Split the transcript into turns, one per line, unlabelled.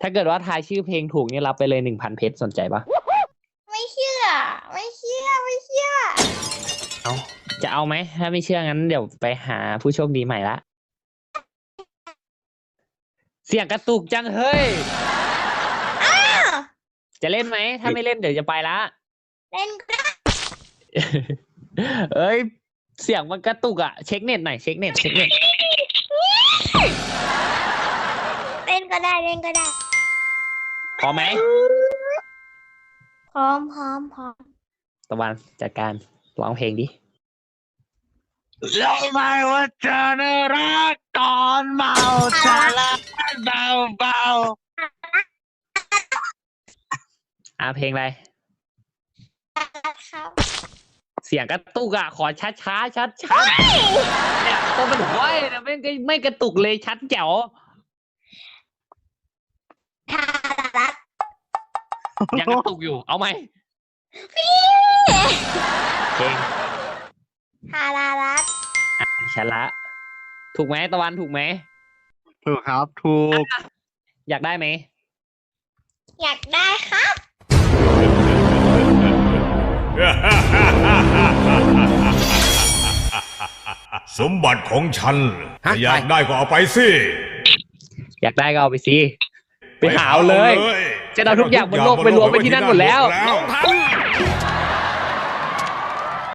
ถ้าเกิดว่าทายชื่อเพลงถูกนี่รับไปเลย1,000เพชรสนใจปะ
ไม่เชื่อ ไม่เชื่อ ไม่เชื่อ
เอาจะเอาไหมถ้าไม่เชื่องั้นเดี๋ยวไปหาผู้โชคดีใหม่ละเสียงกระตุกจังเฮ้ยจะเล่นไหมถ้าไม่เล่นเดี๋ยวจะไปละ
เล่นก็ได้
เอ้ยเสียงมันกระตุกอะเช็คเน็ตหน่อยเช็คเน็ต
เล่นก็ได้ เล่นก็ได้
พอไหม
พร้อมพร้อมพร้อม
ตะวันจัดการร้องเพลงดิ
รู้ไหมว่าเธอน่ารักตอนเมาชาละเบาเบา
เพลงอะไร
ครับ
เสียงกระตุกอะขอช้าเนี่ยตัวมันห้อยนะไม่กระตุกเลยชัดแจ๋ว
ทารัต
ยังกระตุกอยู่เอาไหมเพลง
ทารารัต
ฉันละ ถูกไหมตะวันถูกไหม
ถูกครับถูก
อยากได้ไหม
อยากได้ครับ
สมบัติของฉันอยากได้ก็เอาไปสิ
อยากได้ก็เอาไปสิไปหาเอาเลย จะเอาทุกอย่างบนโลกไปรวมไปที่นั่นหมดแล้ว
ลงทัน